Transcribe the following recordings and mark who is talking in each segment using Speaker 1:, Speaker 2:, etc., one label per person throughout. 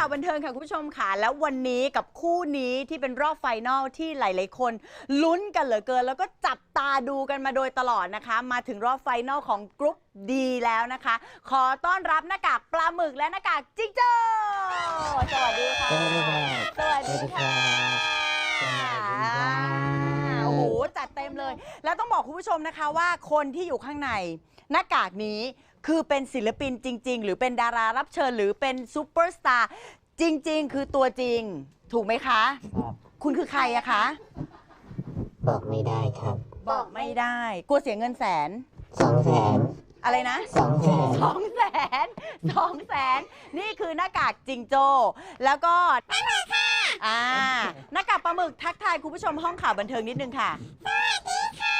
Speaker 1: าวบันเทิงค่ะคุณผู้ชมค่ะแล้ววันนี้กับคู่นี้ที่เป็นรอบไฟนอลที่หลายๆคนลุ้นกันเหลือเกินแล้วก็จับตาดูกันมาโดยตลอดนะคะมาถึงรอบไฟนอลของกรุ๊ปดีแล้วนะคะขอต้อนรับหน้ากากปลาหมึกและหน้ากากจิ๊กโจ้สวัสดีค่ะสวัสดีค่ะโอ้โหจัดเต็มเลยแล้วต้องบอกคุณผู้ชมนะคะว่าคนที่อยู่ข้างในหน้ากากนี้คือเป็นศิลปินจริงๆหรือเป็นดารารับเชิญหรือเป็นซูเปอร์สตาร์จริงๆคือตัวจริงถูกไหมคะ
Speaker 2: ครับ
Speaker 1: คุณคือใครอะคะ
Speaker 2: บอกไม่ได้ครับ
Speaker 1: บอกไม่ได้กลัวเสียเงินแสน
Speaker 2: 200,000
Speaker 1: อะไรนะ
Speaker 2: 200,000
Speaker 1: 200,000นี่คือหน้ากากจิงโจ้แล้วก็หน้ากากค่ะหน้ากากปลาหมึกทักทายคุณผู้ชมห้องข่าวบันเทิงนิดนึงค่ะสวัสดีค่ะ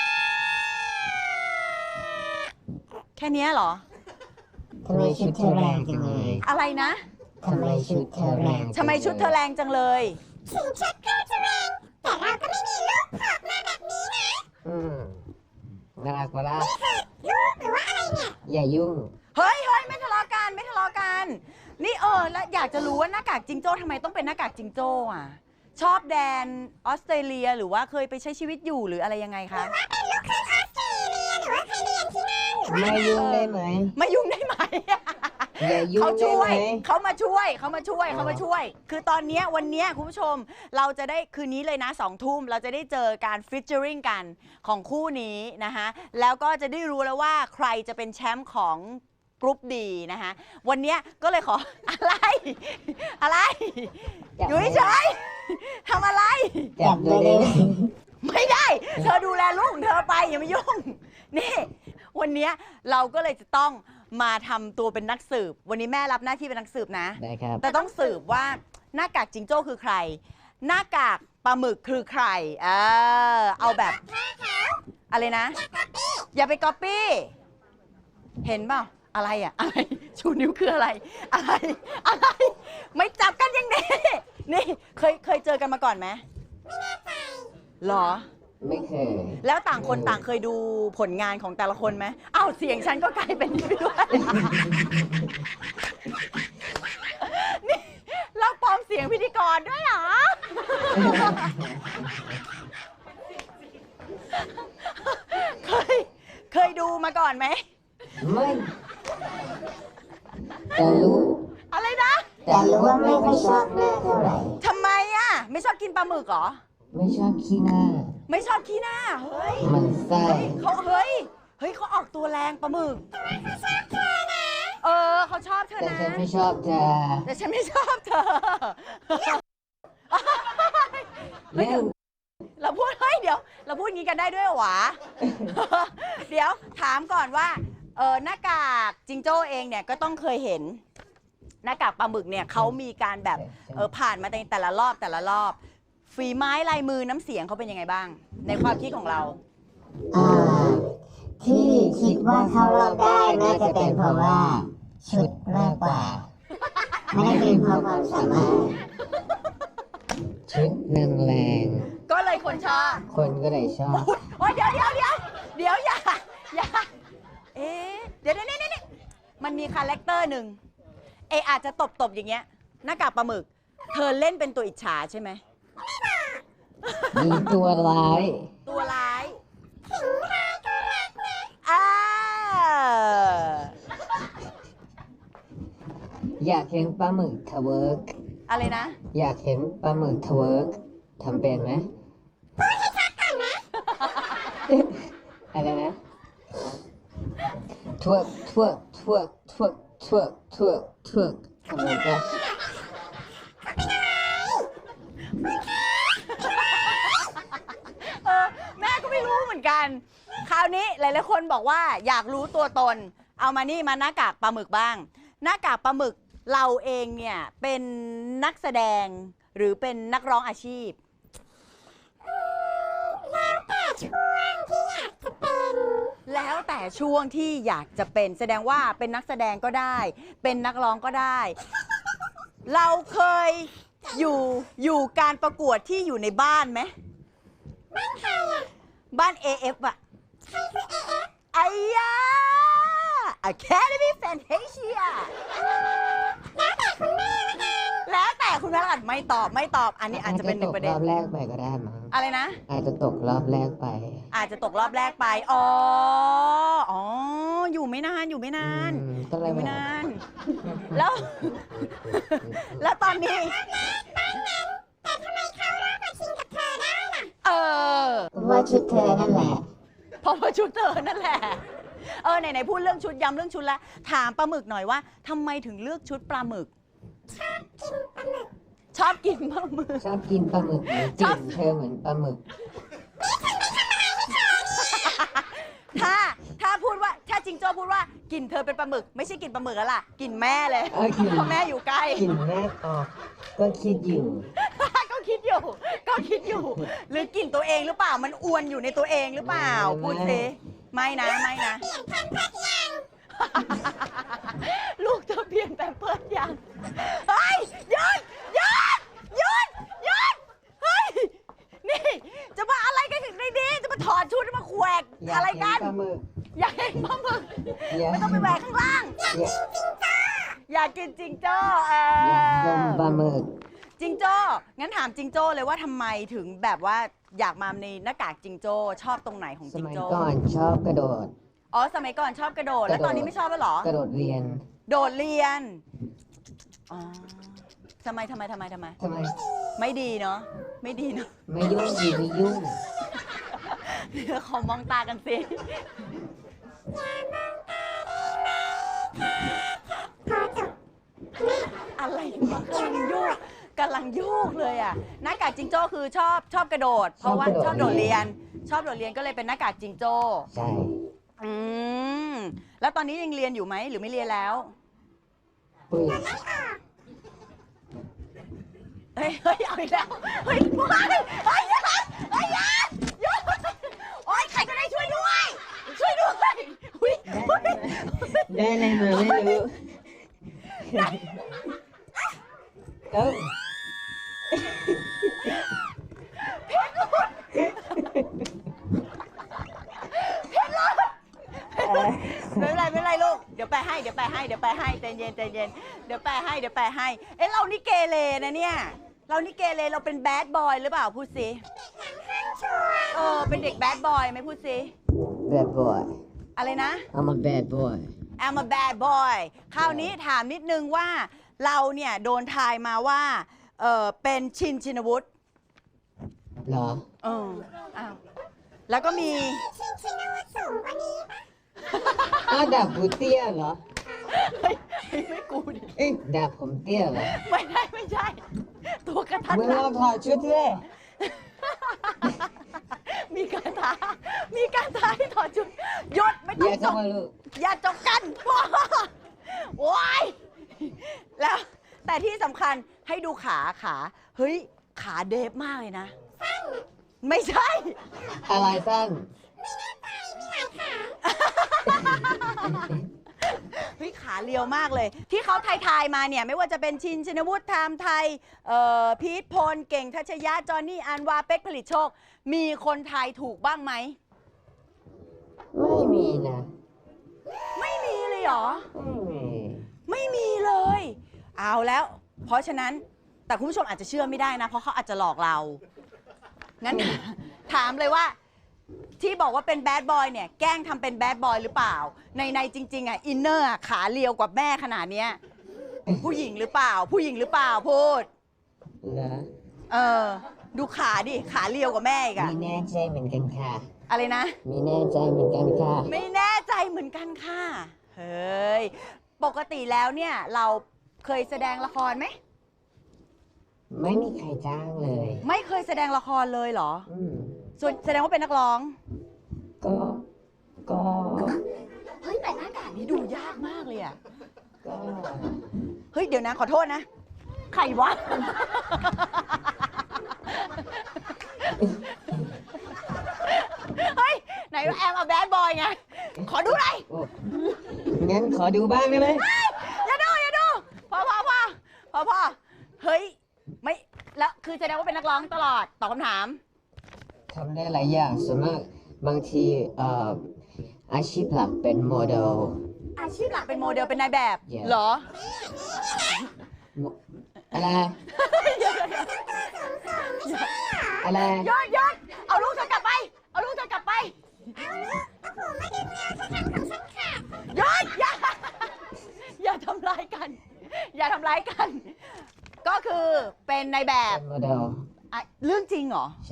Speaker 1: แค่นี้เหรอ
Speaker 2: ทำไมชุดเธอแรงจังเลย
Speaker 1: อะไรนะ
Speaker 2: ทำไมชุดเธอแรง
Speaker 1: ทำไมชุดเธอแรงจังเลย
Speaker 3: ถึงชุดก็จะแรงแต่เราก็ไม่มีลูกผอกมาแบบนี้นะ
Speaker 2: น่ารักปะล่ะ
Speaker 3: ลูกหรือว่าอะไรเนี่ย
Speaker 2: อย่ายุ่ง
Speaker 1: เฮ้ยไม่ทะเลาะกันไม่ทะเลาะกันนี่แล้วอยากจะรู้ว่าหน้ากากจิงโจ้ทำไมต้องเป็นหน้ากากจิงโจ้อ่ะชอบแดนออสเตรเลียหรือว่าเคยไปใช้ชีวิตอยู่หรืออะไรยังไงคะ
Speaker 3: ว่าเป็นลูกครึ่งออสเตรเลียหรือว่าเคยเรียนที่นั่นหรือว่า
Speaker 2: ไม่ยุ่งได้ไหม
Speaker 1: ไม่ยุ่งได้ไหม
Speaker 2: อย่ายุ่งได้ไหม
Speaker 1: เขามาช่วยคือตอนนี้วันนี้คุณผู้ชมเราจะได้คืนนี้เลยนะ2 ทุ่มเราจะได้เจอการฟิชเจอริงกันของคู่นี้นะคะแล้วก็จะได้รู้แล้วว่าใครจะเป็นแชมป์ของกรุ๊ปดีนะคะวันนี้ก็เลยขออะไรอยู่เฉยทำอะไร
Speaker 2: จับเลย
Speaker 1: ไม่ได้เธอดูแลลูกของเธอไปอย่ามายุ่งนี่วันนี้เราก็เลยจะต้องมาทำตัวเป็นนักสืบวันนี้แม่รับหน้าที่เป็นนักสืบนะ
Speaker 2: ได้ครับ
Speaker 1: แต่ต้องสืบว่าหน้ากากจิงโจ้คือใครหน้ากากปลาหมึกคือใครเอาแบบอะไรนะอย่าไปก๊อปปี้เห็นเปล่าอะไรอะอะไรชูนิ้วคืออะไรไม่จับกันยังไงนี่เคยเจอกันมาก่อนไหม
Speaker 3: ไม่แน่ใจ
Speaker 1: หรอ
Speaker 2: ไม่เคย
Speaker 1: แล้วต่างคนต่างเคยดูผลงานของแต่ละคนไหมอ้าวเสียงฉันก็กลายเป็นนี้ไปด้วยนี่เราปลอมเสียงพิธีกรด้วยเหรอเคยดูมาก่อนไหม
Speaker 2: ไม่แต่รู้
Speaker 1: อะไรนะ
Speaker 2: แต่รู้ว่าไม่ค่อยชอบหน้าเท่าไหร่
Speaker 1: ทำไมอะไม่ชอบกินปลาหมึกเหรอ
Speaker 2: ไม่ชอบขี้หน้า
Speaker 1: ไม่ชอบขี้หน้าเฮ้ย
Speaker 2: มันไส้
Speaker 1: เขาออกตัวแรงปลาหมึกเขาชอบเธอนะ
Speaker 2: แต่ฉันไม่ชอบเธอ
Speaker 1: แต่ฉันไม่ชอบเธอเราพูดเดี๋ยวเราพูดงี้กันได้ด้วยหวะเดี๋ยวถามก่อนว่าหน้ากากจิงโจ้เองเนี่ยก็ต้องเคยเห็นหน้ากากปลาหมึกเนี่ยเขามีการแบบผ่านมาในแต่ละรอบฝีไม้ลายมือน้ำเสียงเขาเป็นยังไงบ้างในความคิดของเรา
Speaker 2: ที่คิดว่าเข้ารอบได้น่าจะเป็นเพราะว่าชุดมากกว่าไม่ได้เป็นเพราะความสามารถชุดหนึ่งแรง
Speaker 1: ก็เลยคนชอบ
Speaker 2: คนก็เลยชอบ
Speaker 1: โอ้ยเดี๋ยวอย่าเดี๋ยวนี่มันมีคาแรคเตอร์หนึ่งอาจจะตบอย่างเงี้ยหน้ากากปลาหมึกเธอเล่นเป็นตัวอิจฉาใช่ไหม
Speaker 2: มีตัวร้าย
Speaker 3: ถึงร้ายก็รักนะ
Speaker 2: อยากเห็นปลาหมึกทเวิร์ก
Speaker 1: อะไรนะ
Speaker 2: อยากเห็นปลาหมึกทเวิร์กทำเป็นไหม
Speaker 3: พูดให้ชัดก่อนนะ
Speaker 2: อะไรนะทเวิร์กทำไมก็
Speaker 1: แม่ก็ไม่รู้เหมือนกันคราวนี้หลายๆคนบอกว่าอยากรู้ตัวตนเอามานี่มาหน้ากากปลาหมึกบ้างหน้ากากปลาหมึกเราเองเนี่ยเป็นนักแสดงหรือเป็นนักร้องอาชีพ
Speaker 3: แล้วแต่ช่วงที่อยากจะเป็น
Speaker 1: แสดงว่าเป็นนักแสดงก็ได้เป็นนักร้องก็ได้เราเคยอยู่การประกวดที่อยู่ในบ้านไหม
Speaker 3: บ้านใครอ่ะ
Speaker 1: บ้าน AF อ่ะ
Speaker 3: ใครคือ AF
Speaker 1: ไอ้ยา Academy Fantasia
Speaker 3: แล้วแต่คุณแม่ละกัน
Speaker 1: แล้วแต่คุณแม่ละไม่ตอบไม่ตอบ อันนี้อาจจะเป็นหนึ่งประเด็
Speaker 2: ร
Speaker 1: น
Speaker 2: อบแรกไปก็ได้มั้ง
Speaker 1: อะไรนะ
Speaker 2: อาจจะตกรอบแรกไป
Speaker 1: อาจจะตกรอบแรกไป อ๋อ อ๋อ อยู่ไม่นาน อยู่ไม่นาน
Speaker 2: ก็เล
Speaker 1: อย ยู่
Speaker 2: แบ
Speaker 1: ไม่
Speaker 2: บ
Speaker 1: นาน แล้ว แล้วตอนนี้
Speaker 3: แต่ทำไมเขาเลิกมาชิงกับเธอได้ล่ะ
Speaker 1: เออ
Speaker 2: ว่าชุดเธอนั่นแหละ
Speaker 1: เพราะว่าชุดเธอนั่นแหละ ไหนๆพูดเรื่องชุดย้ำเรื่องชุดแล้ว ถามปลาหมึกหน่อยว่าทำไมถึงเลือกชุดปลาหมึก ชอบกินปลาหมึก
Speaker 2: ชอบกินปลาหมึกหรือกลิ่นเธอเหมือนปลาหมึก
Speaker 1: ถ้าพูดว่าถ้าจิงโจ้พูดว่ากลิ่นเธอเป็นปลาหมึก ไม่ใช่กลิ่นปลาหมึกแล้วล่ะกลิ่นแม่เลย
Speaker 2: กลิ่น
Speaker 1: เพราะแม่อยู่ใกล้
Speaker 2: กลิ่นแม่ออกก็คิดอยู่
Speaker 1: ก็คิดอยู่ ก็คิดอยู่ หรือกลิ่นตัวเองหรือเปล่ามันอวนอยู่ในตัวเองหรือเปล่า
Speaker 2: ไม่
Speaker 1: พูดสิไม่นะไม่นะ
Speaker 3: เปลี่ยนแพมเพิร์สยัง
Speaker 1: ลูกเธอเปลี่ยนแปมเพิร์สยังเฮ้ยหยุดหยุดหยุดหยุดเฮ้ยนี่จะมาอะไรกันถึงในนี้จะมาถอดชุดมาแขวก
Speaker 2: อยา
Speaker 1: อะไร
Speaker 2: เห็
Speaker 1: กัน
Speaker 2: ปลาหมึก
Speaker 1: อยากเห็นปลาหมึก
Speaker 2: อยาก
Speaker 1: ไม่ต้องไปแหวกข้างล่าง
Speaker 2: อยาก
Speaker 1: อยากกินจิงโจ้
Speaker 2: อยากดมปลาหมึก
Speaker 1: จิงโจ้งั้นถามจิงโจ้เลยว่าทำไมถึงแบบว่าอยากมาในหน้ากากจิงโจ้ชอบตรงไหนของ
Speaker 2: ส
Speaker 1: จิง
Speaker 2: มัย
Speaker 1: โจ้
Speaker 2: ก่อนชอบกระโดด
Speaker 1: อ๋อสมัยก่อนชอบกระโดด แล้วตอนนี้ไม่ชอบแล้วเหรอ
Speaker 2: กระโดดเรียน
Speaker 1: โดดเรียน อ๋อทำไม
Speaker 2: ทำไม
Speaker 1: ไม่ดีเนาะ ไม่ดีเนาะ
Speaker 2: ไม่ยุ่งดีไม่ยุ่ง
Speaker 1: เดี๋ยวขอมองตากันสิ อะไรวะกำลังโยกเลยอ่ะ หน้ากากจิงโจ้คือชอบกระโดด เพราะว่าช
Speaker 2: ช
Speaker 1: อ
Speaker 2: อ
Speaker 1: บบ โด
Speaker 2: โด
Speaker 1: ด
Speaker 2: ดเรี
Speaker 1: เรีย
Speaker 2: ย
Speaker 1: น
Speaker 2: น
Speaker 1: ชอบโดดเรียนก็เลยเป็นหน้ากากจิงโจ้
Speaker 2: ใช่
Speaker 1: อืม แล้วตอนนี้ยังเรียนอยู่ไหมหรือไม่เรียนแล้ว
Speaker 2: ปุ้ย
Speaker 1: เฮ้ยเอาอีกแล้ว เฮ้ยหยุดเฮ้ยหยุดเฮ้ยหยุดโอ๊ยใครก็ได้ช่วยด้วย ช่วยด้วยอุ๊ย
Speaker 2: ได้อะไรมาไม่รู้เอ้า
Speaker 1: ไม่เป็นไรลูก เดี๋ยวแปลให้ใจเย็นเดี๋ยวแปลให้ เอ๊ะเรานี่เกเรนะเนี่ย เรานี่เกเรเราเป็นแบดบอยหรือเปล่าพูดสิเป็นเด็กแบดบอยไหมพูดสิ
Speaker 2: bad boy
Speaker 1: อะไรนะ
Speaker 2: I'm a bad boy
Speaker 1: I'm a bad boy คราวนี้ถามนิดนึงว่าเราเนี่ยโดนทายมาว่าเป็นชินวุฒิ
Speaker 2: เหรอ
Speaker 1: อ้าวแล้วก็มี
Speaker 3: ชินวุฒิสูงกว่านี้ปะ
Speaker 2: อ้าวดาบกูเตี้ยเหรอ
Speaker 1: เฮ้ยไม่กูดิ
Speaker 2: เอ้ยดาบผมเตี้ยเหรอ
Speaker 1: ไม่ใช่ ตัวกระทัด
Speaker 2: มึง
Speaker 1: รั
Speaker 2: ลอ
Speaker 1: ด
Speaker 2: งถอดชุดเท่
Speaker 1: มีการท้าให้ถอดชุดหยุดไม่
Speaker 2: อ
Speaker 1: ต้อง
Speaker 2: ย่า
Speaker 1: จ
Speaker 2: เข้าก มาลูก
Speaker 1: อย่าจกกันพ่อโอ้ยแล้วแต่ที่สำคัญให้ดูขาเฮ้ยขาเดฟมากเลยนะ ไม่ใช่
Speaker 2: อะไรสั้น
Speaker 1: เฮ้ยขาเรียวมากเลย ที่เขาทายมาเนี่ย ไม่ว่าจะเป็นชินวุฒิไทม์ไทยพีทพลเก่งทัชยะจอห์นนี่อันวาเป็กผลิตโชค มีคนทายถูกบ้างไหม
Speaker 2: ไม่มีนะ
Speaker 1: ไม่มีเลยเหรอ
Speaker 2: ไม่มี
Speaker 1: ไม่มีเลย เอาแล้ว เพราะฉะนั้นแต่คุณผู้ชมอาจจะเชื่อไม่ได้นะ เพราะเขาอาจจะหลอกเรา งั้น ถามเลยว่า ที่บอกว่าเป็นแบดบอยเนี่ย แกล้งทำเป็นแบดบอยหรือเปล่า ในจริงๆอ่ะอินเนอร์ขาเรียวกว่าแม่ขนาดเนี้ยผู้หญิงหรือเปล่าพูด
Speaker 2: เหรอ
Speaker 1: ดูขาดิ ขาเรียวกว่าแม่อีกอะ
Speaker 2: มีแน่ใจเหมือนกันค่ะ
Speaker 1: อะไรนะ
Speaker 2: มีแน่ใจเหมือนกันค่ะ
Speaker 1: ไม่แน่ใจเหมือนกันค่ะ เฮ้ย ปกติแล้วเนี่ย เราเคยแสดงละครไหม
Speaker 2: ไม่มีใครจ้างเลย
Speaker 1: ไม่เคยแสดงละครเลยเหรอ
Speaker 2: อืม
Speaker 1: ส่วนแสดงว่าเป็นนักร้อง
Speaker 2: ก็
Speaker 1: เฮ้ย แต่หน้ากากนี้ดูยากมากเลยอะ
Speaker 2: ก็
Speaker 1: เฮ้ย เดี๋ยวนะ ขอโทษนะ ใครวะ เฮ้ย ไหนว่าแอมเอาแบดบอยไง ขอดูหน่อย
Speaker 2: โอ้งั้นขอดูบ้างได้ไหม
Speaker 1: อย่าดู พอ เฮ้ย ไม่ แล้วคือแสดงว่าเป็นนักร้องตลอด ตอบคำถาม
Speaker 2: ทำได้หลายอย่างส่วนมากบางทีอาชีพหลักเป็นโมเดล
Speaker 1: อาชีพหลักเป็นโมเดลเป็นนายแบบ
Speaker 2: Yes
Speaker 1: เหรอ
Speaker 2: โมอะไรอะไร
Speaker 1: ยอดยอดเอาลูกเธอกลับไป เอาลูกเธอกลับไปยอดอย่าทำร้ายกัน อย่าทำร้ายกัน ก็คือเป็นในแบบ
Speaker 2: โมเดล
Speaker 1: อ่ะเรื่องจริงเหรอ
Speaker 2: ใช่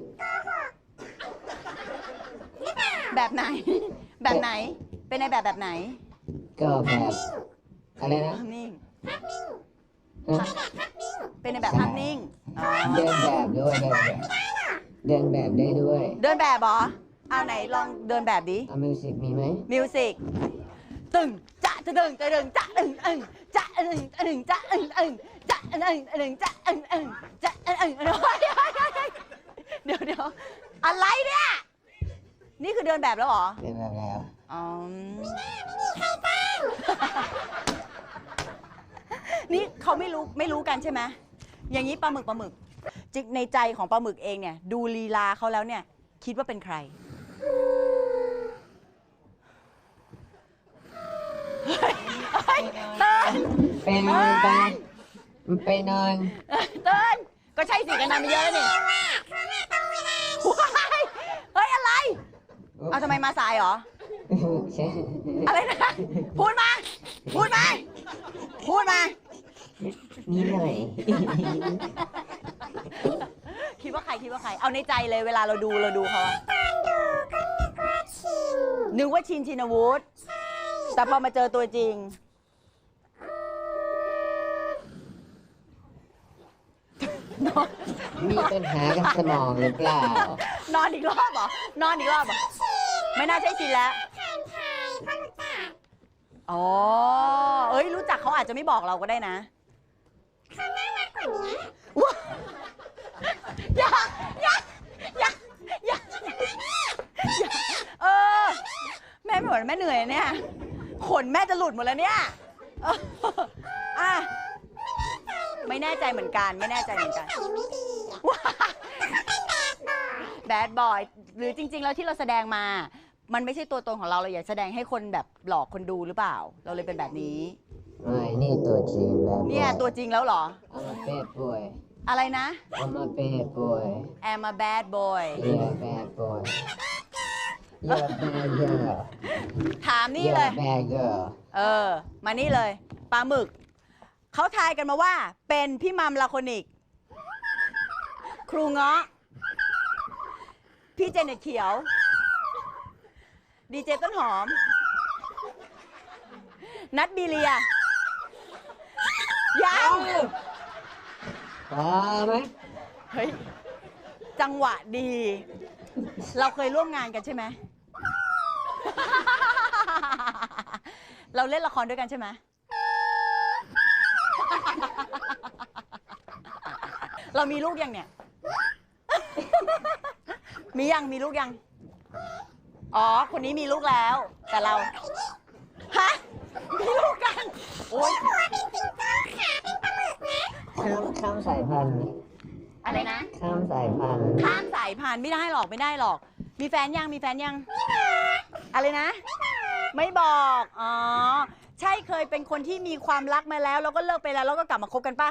Speaker 1: แบบไหน แบบไหน เป็นในแบบไหน
Speaker 2: ก็แบบอะไรนะ
Speaker 1: ภาพนิ่ง
Speaker 2: ฮะ
Speaker 1: เป็นในแบบภาพนิ่งอ๋อ
Speaker 2: เดินแบบด้วยเดินแบบได้ด้วย
Speaker 1: เดินแบบเหรอ เอาไหนลองเดินแบบดิ
Speaker 2: เอามิวสิกมีไหม
Speaker 1: มิวสิกตึงจะตึงจะตึงจะตึงจะตึงตึงจะตึงตึงจะตึงตึงจะตึงตึงจะตึงตึงเดี๋ยวอะไรเนี่ยนี่คือเดินแบบแล้วเหรอ
Speaker 2: เดินแบบแล้ว
Speaker 1: อ๋อนี่เขาไม่รู้กันใช่ไหมอย่างนี้ปลาหมึกจิกในใจของปลาหมึกเองเนี่ยดูลีลาเขาแล้วเนี่ยคิดว่าเป็นใครเติ้ล
Speaker 2: เป็นนอนไปไปนอน
Speaker 1: เติ้ลก็ใช่สิกันนานมาเยอะแล้วนี่ว้ายเฮ้ยอะไรเอาทำไมมาสายเหรอ
Speaker 2: ใช่
Speaker 1: อะไรนะพูดมาพูดมา
Speaker 2: นี่หน่อย
Speaker 1: คิดว่าใครเอาในใจเลยเวลาเราดูเขาอะนึกว่าชินชินวุฒิแต่พอมาเจอตัวจริง
Speaker 2: มีปัญหากับสมองหรือเปล่า
Speaker 1: นอนอีกรอบเหรอ ไม่น่าใช่ชินแล้วอ๋อเอ้ยรู้จักเขาอาจจะไม่บอกเราก็ได้นะว้าอย่าเออแม่ไม่ไหวแม่เหนื่อยเนี่ยขนแม่จะหลุดหมดแล้วเนี่ยอ่ะไม่แน่ใจเหมือนกันแบดบอยหรือจริงๆแล้วที่เราแสดงมามันไม่ใช่ตัวตนของเราอยากแสดงให้คนแบบหลอกคนดูหรือเปล่าเราเลยเป็นแบบนี้
Speaker 2: ไม่นี่ตัวจริงแบบ
Speaker 1: เนี่ยตัวจริงแล้วเหรอ
Speaker 2: I'm a bad boy
Speaker 1: อะไรนะ
Speaker 2: I'm a bad boy
Speaker 1: I'm a bad boy
Speaker 2: You're a bad boy You're a bad girl
Speaker 1: ถามนี่
Speaker 2: You're
Speaker 1: เลย
Speaker 2: a bad girl
Speaker 1: มานี่เลยปลาหมึกเขาทายกันมาว่าเป็นพี่มัมลาโคนิก ครูเงาะพี่เจเน็ตเขียว ดีเจต้นหอม นัดบีเลียยัง
Speaker 2: พอไหม
Speaker 1: เฮ้ย จังหวะดี เราเคยร่วมงานกันใช่ไหม เราเล่นละครด้วยกันใช่ไหม เรามีลูกยังเนี่ย มีลูกยัง อ๋อ คนนี้มีลูกแล้ว แต่เรา ฮะ มีลูกกัน โอ๊ย
Speaker 2: ข้ามสายพันธุ์
Speaker 1: อะไรนะ
Speaker 2: ข้ามสายพันธุ์
Speaker 1: ข้ามสายพันธุ์ไม่ได้หรอก มีแฟนยัง อะไรนะ ไม่บอก อ๋อ ใช่เคยเป็นคนที่มีความรักมาแล้วแล้วก็เลิกไปแล้วแล้วก็กลับมาคบกันป่ะ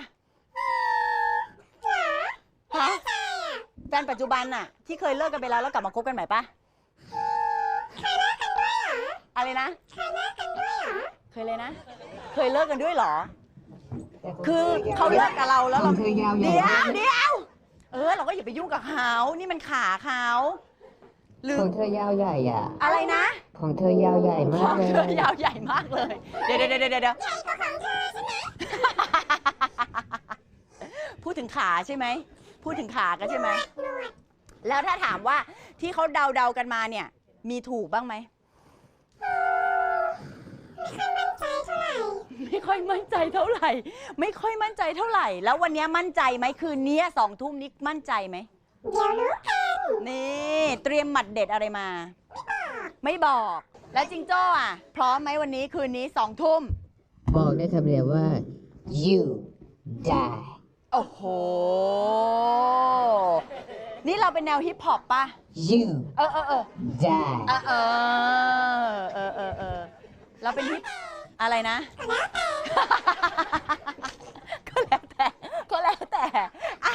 Speaker 1: ฮะ แฟนปัจจุบันน่ะ ที่เคยเลิกกันไปแล้วแล้วกลับมาคบกันใหม่ป่ะ อะไรนะ เคยเลยนะ เคยเลิกกันด้วยเหรอ คือเขาเลิกกับเราแล้วเรา
Speaker 2: คือยาว
Speaker 1: เดี๋ยวเราก็อย่าไปยุ่งกับเขานี่มันขาเขาหรือ
Speaker 2: ของเธอยาวใหญ่อะ
Speaker 1: อะไรนะ
Speaker 2: ของเธอยาวใหญ่
Speaker 1: ข
Speaker 2: มา
Speaker 1: อก ง
Speaker 2: เล
Speaker 1: เธอย ยาวใหญ่มากเลย เดี๋ยวพูดถึงขาใช่ไหมพูดถึงขากันใช่ไหมแล้วถ้าถามว่าที่เขาเดากันมาเนี่ย มีถูกบ้างไหมไม่ค่อยมั่นใจเท่าไหร่ แล้ววันนี้มั่นใจไหมคืนนี้2 ทุ่มนี้มั่นใจไหมเดี๋ยวรู้กันนี่เตรียมหมัดเด็ดอะไรมา ไม่บอก แล้วจิงโจ้อ่ะ พร้อมไหมวันนี้คืนนี้2 ทุ่ม
Speaker 2: บอกได้คำเดียวว่า you die
Speaker 1: โอ้โห นี่เราเป็นแนวฮิปฮอปป่ะ
Speaker 2: you
Speaker 1: เออ
Speaker 2: die
Speaker 1: เราเป็นฮิปอะไรนะ ก็แล้วแต่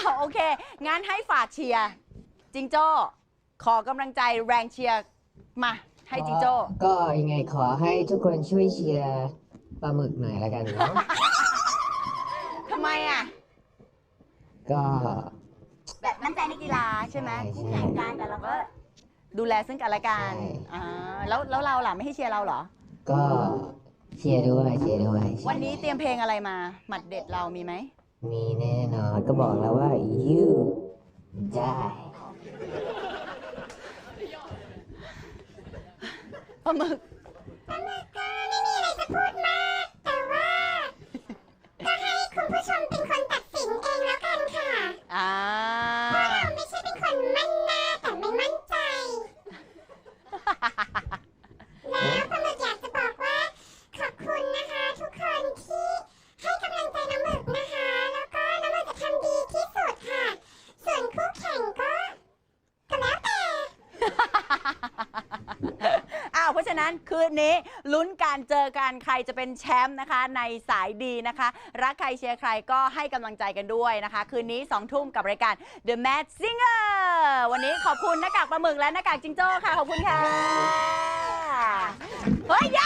Speaker 1: โอเค งั้นให้ฝากเชียร์จิงโจ้ขอกำลังใจแรงเชียร์มาให้จิงโจ้
Speaker 2: ก็ยังไงขอให้ทุกคนช่วยเชียร์ปลาหมึกหน่อยละกันเนาะ
Speaker 1: ทำไมอ่ะ
Speaker 2: ก็
Speaker 1: แบบมั่นใจในกีฬาใช่ไหม
Speaker 2: ใช่
Speaker 1: คู่แข่งกันแต่เราก็ดูแลซึ่งกันและกัน
Speaker 2: ใช่
Speaker 1: อ่าแล้วเราล่ะไม่ให้เชียร์เราเหรอ
Speaker 2: ก็เชียร์ด้วยเชียร์ด้วย
Speaker 1: วันนี้เตรียมเพลงอะไรมา หมัดเด็ดเรามีไหม
Speaker 2: มีแน่นอนก็บอกแล้วว่า you die
Speaker 1: ปลาหมึก
Speaker 3: ก็ไม่มีอะไรจะพูดมาก แต่ว่าก็ให้คุณผู้ชมเป็นคนตัดสินเองแล้วกันค่ะ
Speaker 1: อ่า
Speaker 3: เพราะเราไม่ใช่เป็นคนมั่นหน้าแต่ไม่มั่นใจ แล้วปลาหมึกอยากจะบอกว่าขอบคุณนะคะทุกคนที่ให้กำลังใจน้ำหมึกนะคะ แล้วก็น้ำหมึกจะทำดีที่สุดค่ะ ส่วนคู่แข่งก็แล้วแต่
Speaker 1: เพราะฉะนั้นคืนนี้ลุ้นการเจอกันใครจะเป็นแชมป์นะคะในสายดีนะคะ รักใครเชียร์ใครก็ให้กำลังใจกันด้วยนะคะ คืนนี้ 2 ทุ่มกับรายการ The Mad Singer วันนี้ขอบคุณหน้ากากปลาหมึกและหน้ากากจิงโจ้ค่ะ ขอบคุณค่ะ เฮ้ยอย่า